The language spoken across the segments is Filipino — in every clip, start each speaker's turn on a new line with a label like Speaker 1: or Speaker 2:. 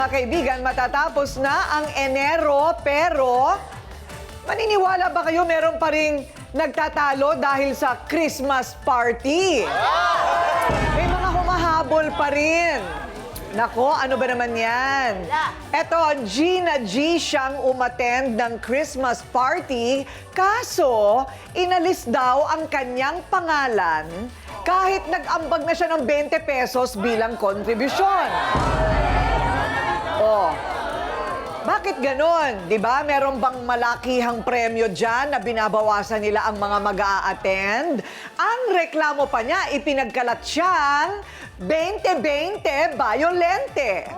Speaker 1: Mga kaibigan, matatapos na ang Enero pero maniniwala ba kayo meron pa ring nagtatalo dahil sa Christmas party? May mga humahabol pa rin. Nako, ano ba naman yan? Eto, Gina G siyang umattend ng Christmas party, kaso inalis daw ang kanyang pangalan kahit nag-ambag na siya ng 20 pesos bilang kontribusyon. Oh, bakit ganon? Di ba? Meron bang malakihang premyo dyan na binabawasan nila ang mga mag-a-attend? Ang reklamo pa niya, ipinagkalat siyang 20-20 Bayolente.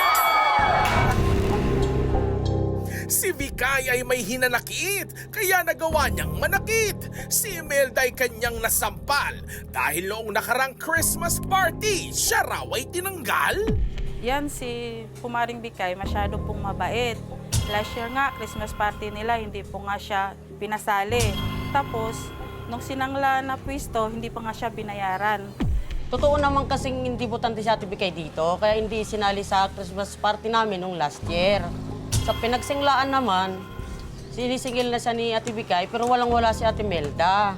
Speaker 2: Si Vikay ay may hinanakit, kaya nagawa niyang manakit. Si Imelda ay kanyang nasampal dahil noong nakarang Christmas party, siya raw ay tinanggal.
Speaker 3: Yan, si Pumaring Bikay, masyado pong mabait. Last year nga, Christmas party nila, hindi po nga siya pinasali. Tapos, nung sinangla na pwisto, hindi pa nga siya binayaran.
Speaker 4: Totoo naman kasing hindi botante si Ate Bikay dito, kaya hindi sinali sa Christmas party namin nung last year. Sa pinagsinglaan naman, sinisingil na siya ni Ate Bikay, pero walang-wala si Ate Melda.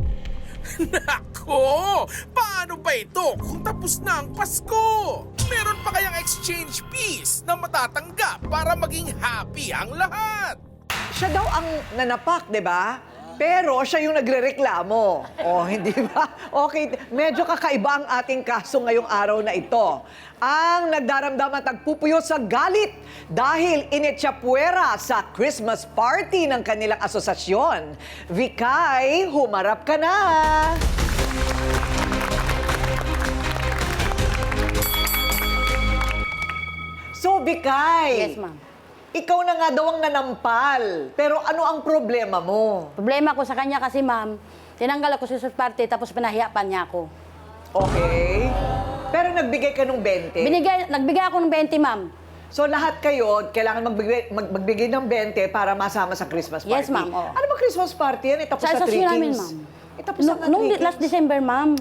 Speaker 2: Nako! Paano ba ito kung tapos na ang Pasko? Meron pa kayang exchange piece na matatanggap para maging happy ang lahat?
Speaker 1: Siya daw ang nanapak, di ba? Pero siya yung nagrereklamo. Oh, hindi ba? Okay, medyo kakaiba ang ating kaso ngayong araw na ito. Ang nagdaramdam at nagpupuyo sa galit dahil inetsapuera sa Christmas party ng kanilang asosasyon. Vikay, humarap ka na! So, Vikay,
Speaker 5: Yes, ma'am.
Speaker 1: ikaw na nga daw ang nanampal. Pero ano ang problema mo?
Speaker 5: Problema ko sa kanya kasi, ma'am, tinanggal ako sa Christmas party tapos pinahiya pa niya ako.
Speaker 1: Okay. Pero nagbigay ka ng 20.
Speaker 5: Nagbigay ako ng 20, ma'am.
Speaker 1: So lahat kayo, kailangan magbigay ng 20 para masama sa Christmas party.
Speaker 5: Yes, ma'am, oo.
Speaker 1: Ano ba Christmas party yan? Itapos
Speaker 5: Sa
Speaker 1: sa Three
Speaker 5: asosasyon namin,
Speaker 1: Kings.
Speaker 5: ma'am.
Speaker 1: Itapos na
Speaker 5: Nung
Speaker 1: Three
Speaker 5: last
Speaker 1: Kings.
Speaker 5: December, ma'am.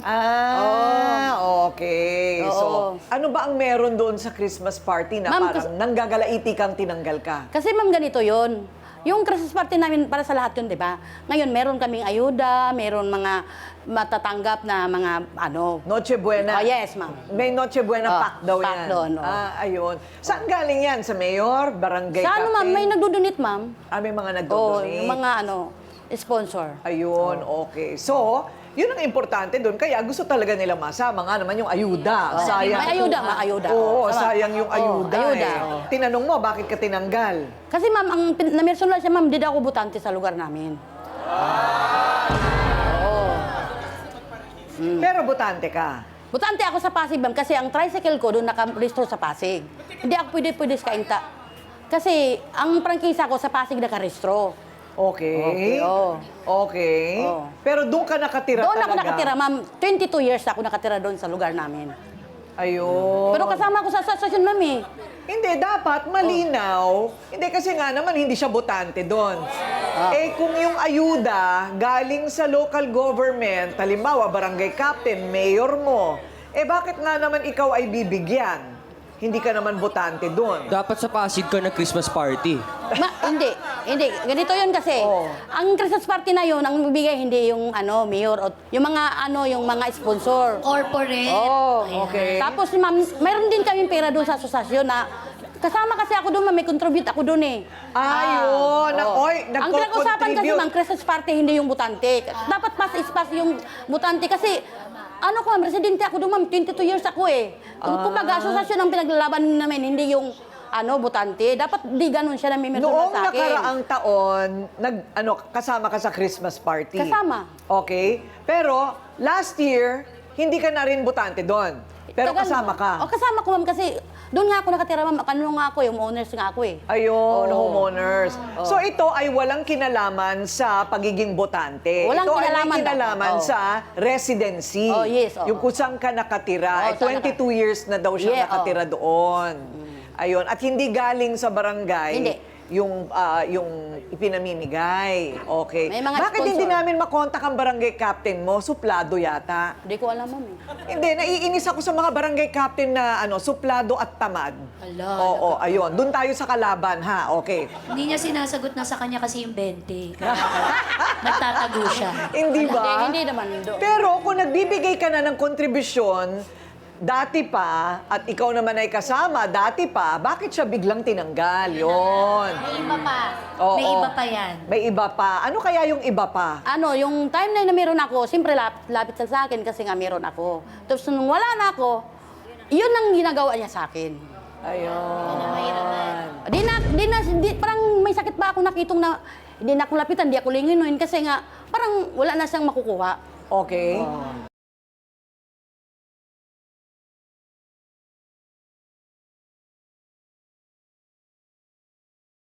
Speaker 1: Okay.
Speaker 5: Oo.
Speaker 1: So, ano ba ang meron doon sa Christmas party na
Speaker 5: Ma'am,
Speaker 1: parang nanggagalaiti kang tinanggal ka?
Speaker 5: Kasi, ma'am, ganito yon. Yung Christmas party namin para sa lahat yun, di ba? Ngayon, meron kaming ayuda, meron mga matatanggap na mga ano.
Speaker 1: Noche Buena.
Speaker 5: Oh, yes, ma'am.
Speaker 1: May Noche Buena pack daw
Speaker 5: pack
Speaker 1: yan.
Speaker 5: doon, oo.
Speaker 1: Ayun. Saan galing yan? Sa mayor? Barangay
Speaker 5: Sa ano, ma'am,
Speaker 1: captain?
Speaker 5: may nagdudunit, ma'am.
Speaker 1: May mga
Speaker 5: Oo,
Speaker 1: nagdodonate.
Speaker 5: yung mga ano, sponsor.
Speaker 1: Ayun, okay. So, yun ang importante doon. Kaya gusto talaga nila masama nga naman yung ayuda. Sayang.
Speaker 5: May ayuda, may ayuda.
Speaker 1: Oo,
Speaker 5: Sama.
Speaker 1: sayang yung ayuda,
Speaker 5: ayuda,
Speaker 1: eh.
Speaker 5: oo.
Speaker 1: Tinanong mo, bakit ka tinanggal?
Speaker 5: Kasi, ma'am, ang namersonal siya, ma'am, di daw ako butante sa lugar namin.
Speaker 1: Pero butante ka.
Speaker 5: Butante ako sa Pasig, ma'am, kasi ang tricycle ko doon naka-restore sa Pasig. Hindi ako pwede sa Kainta. Kasi ang prangkisa ko sa Pasig naka-restore.
Speaker 1: Okay.
Speaker 5: Okay, oo.
Speaker 1: Okay.
Speaker 5: Oo.
Speaker 1: Pero doon ka nakatira
Speaker 5: Doon
Speaker 1: talaga.
Speaker 5: ako nakatira, ma'am. 22 years ako nakatira doon sa lugar namin.
Speaker 1: Ayun.
Speaker 5: Pero kasama ko sa asosasyon, ma'am, eh.
Speaker 1: Hindi, dapat malinaw. Hindi kasi nga naman hindi siya botante doon. Eh kung yung ayuda galing sa local government, halimbawa barangay captain, mayor mo, eh bakit nga naman ikaw ay bibigyan? Hindi ka naman botante doon.
Speaker 6: Dapat sa Pasig ka na Christmas party.
Speaker 5: Hindi. Ganito yun kasi.
Speaker 1: Oo.
Speaker 5: Ang Christmas party na yun, ang bibigay hindi yung mayor o yung mga sponsor.
Speaker 7: Corporate.
Speaker 1: Oh, okay.
Speaker 5: Tapos, ma'am, mayroon din kaming pera doon sa asosasyon na kasama kasi ako doon, ma'am, may contribute ako doon eh.
Speaker 1: Ayun.
Speaker 5: Oo.
Speaker 1: Oy,
Speaker 5: Ang pinag-usapan kasi,
Speaker 1: nagko-contribute.
Speaker 5: ma'am, Christmas party, hindi yung butante. Dapat pas ispas yung butante kasi ano ko, ma'am, residente ako doon, ma'am, 22 years ako eh. Kumbaga, asosasyon ang pinaglalaban namin, hindi yung butante. Dapat di ganun siya namimersunan
Speaker 1: Noong
Speaker 5: sa akin.
Speaker 1: nakaraang taon, kasama ka sa Christmas party.
Speaker 5: Kasama.
Speaker 1: Okay. Pero last year, hindi ka na rin botante doon. Pero
Speaker 5: Tagal,
Speaker 1: kasama ka.
Speaker 5: O, kasama ko, ma'am, kasi doon nga ako nakatira, ma'am. Ano nga ako, yung owners nga ako eh.
Speaker 1: Ayun,
Speaker 5: Oo.
Speaker 1: homeowners. So ito ay walang kinalaman sa pagiging botante.
Speaker 5: Walang
Speaker 1: ito
Speaker 5: kinalaman
Speaker 1: ay may kinalaman
Speaker 5: daw.
Speaker 1: sa residency.
Speaker 5: Oh, yes, oo.
Speaker 1: Yung kung saan ka nakatira.
Speaker 5: Oo,
Speaker 1: Eh, 22 years na daw siya
Speaker 5: Yeah,
Speaker 1: nakatira doon. Ayun. At hindi galing sa barangay.
Speaker 5: Hindi.
Speaker 1: yung ipinamimigay. Okay.
Speaker 5: May mga
Speaker 1: Bakit hindi
Speaker 5: sponsor.
Speaker 1: namin makontak ang barangay captain mo? Suplado yata.
Speaker 5: Hindi ko alam, ma'am.
Speaker 1: Hindi, naiinis ako sa mga barangay captain na suplado at tamad.
Speaker 7: Hala,
Speaker 1: Oo, ayun. Doon tayo sa kalaban, ha? Okay.
Speaker 7: Hindi niya sinasagot na sa kanya kasi yung 20. Kaya nagtatago siya.
Speaker 1: Hindi ba?
Speaker 5: Hindi naman doon.
Speaker 1: Pero kung nagbibigay ka na ng kontribusyon, dati pa, at ikaw naman ay kasama, dati pa, bakit siya biglang tinanggal? Yun.
Speaker 7: May iba pa.
Speaker 1: Oo.
Speaker 7: May iba pa yan.
Speaker 1: May iba pa. Ano kaya yung iba pa?
Speaker 5: Ano, yung timeline na meron ako, siyempre lapit siya sa akin kasi nga meron ako. Tapos nung wala na ako, yun ang ginagawa niya sa akin.
Speaker 1: Ayun.
Speaker 5: Parang may sakit pa ako nakitong na hindi na ako lapitan, hindi ako linginuin kasi nga parang wala na siyang makukuha.
Speaker 1: Okay.